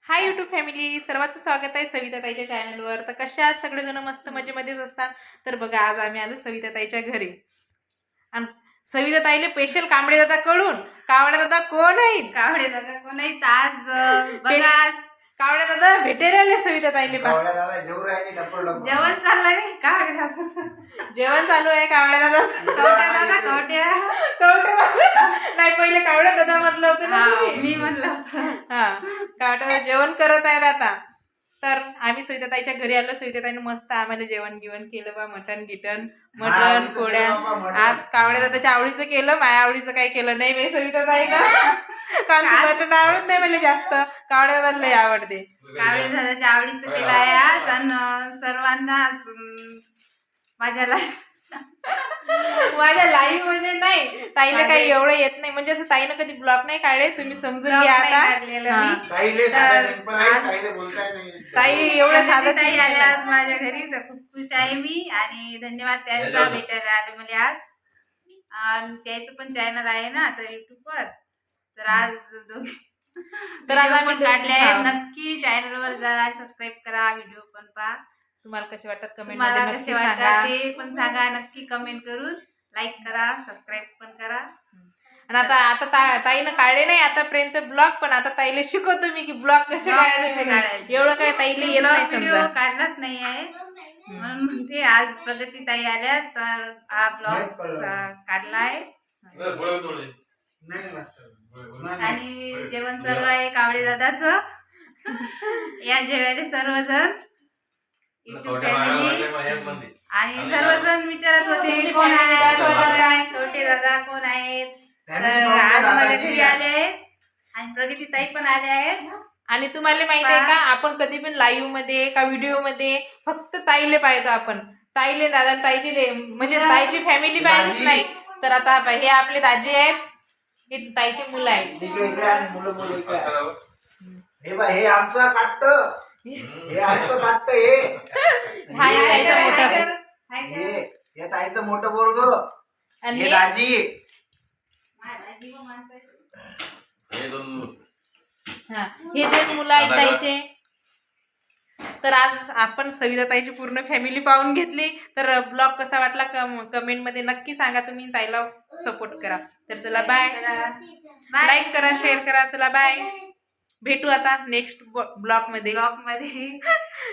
Hi YouTube family, सर्वांचं स्वागत आहे सविता ताईच्या चॅनलवर. तर कशा आहात सगळेजण? मस्त मजेमध्येच असतात. तर बघा, आज आम्ही आलो सविता ताईच्या घरी आणि सविता ताईले स्पेशल कांबळे दादा कडून. कावळे दादा कोण आहेत? कावळे दादा कोण आहेत? आज बघा, कावळे दादा भेटायला आले सविता ताईले. जेवण चाललंय कावळे दादा. जेवण चालू आहे कावळे दादा. कवट्या दादा, कवट्या कवटे दादा नाही, पहिले कावळे दादा म्हटलं होतं ना तुम्ही. मी म्हणलं होतं. हा, कावटे दादा जेवण करत आहेत आता. तर आम्ही सविता ताईच्या घरी आलो. सविता ताईने मस्त आम्हाला जेवण केलं बा. मटण पोळ्या. आज कावळे दादाच्या आवडीचं केलं, माझ्या आवडीचं काही केलं नाही मी सविता ताई का. कारण मटण आवडत नाही मला जास्त, कावळे दादाला लय आवडते. कावळे दादाच्या आवडीचं केलं आहे आज. आणि सर्वांना माझ्या लाईव्ह मध्ये नाही, ताईला काही एवढं येत नाही, म्हणजे असं ताईनं कधी ब्लॉग नाही काढले, तुम्ही समजून घ्या आता. ताई एवढं साधं ताई आल्या माझ्या घरी, तर खूप खुश आहे मी. आणि धन्यवाद त्यांचा, भेटायला आले मला आज. आणि त्याचं पण चॅनल आहे ना तर युट्यूबवर. तर आज तर आज आम्ही काढले आहेत. नक्की चॅनलवर जा, सबस्क्राईब करा, व्हिडिओ पण पहा. तुम्हाला कसे वाटतात कमेंट मला मध्ये कसे नक्की वाटतात सांगा. ते पण सांगा. नक्की कमेंट करून लाईक करा, सबस्क्राईब पण करा. आणि आता ताईनं काढले नाही आतापर्यंत ब्लॉग, पण आता ताईला शिकवतो मी की ब्लॉग कसे काढायचे. एवढं काय ताईला येत नाही व्हिडिओ समजा. काढलाच नाही आहे म्हणून म्हणते. आज प्रगती ताई आल्या तर हा ब्लॉग काढला आहे. आणि जेवण सर्व आहे कावळे दादाचं. या जेवायला सर्वजण युट्यूब फॅमिली. आणि सर्वजण विचारत होते कोण आहे, कवटे दादा कोण आहेत. तर आज माझ्या घरी आले आहेत आणि प्रगती ताई पण आल्या आहेत. आणि तुम्हाला माहित आहे का, आपण कधी पण लाईव्ह मध्ये का व्हिडिओ मध्ये फक्त ताईले पाहतो आपण. ताईले दादा ताईची म्हणजे ताईची फॅमिली पाहिलीच नाही. तर आता हे आपले दाजी आहेत, हे ताईची मुलं आहेत. हे आमचं काटत, हे आमचं काटत. हे ताईचं मोठं पोरग आणि दाजी. हा, हे दोन मुलं आहेत ताईचे. तर आज आपण सविता ताईची पूर्ण फॅमिली पाहून घेतली. तर ब्लॉग कसा वाटला कमेंट मध्ये नक्की सांगा. तुम्ही ताईला सपोर्ट करा. तर चला बाय, लाईक करा, शेअर करा. चला बाय, भेटू आता नेक्स्ट ब्लॉग मध्ये.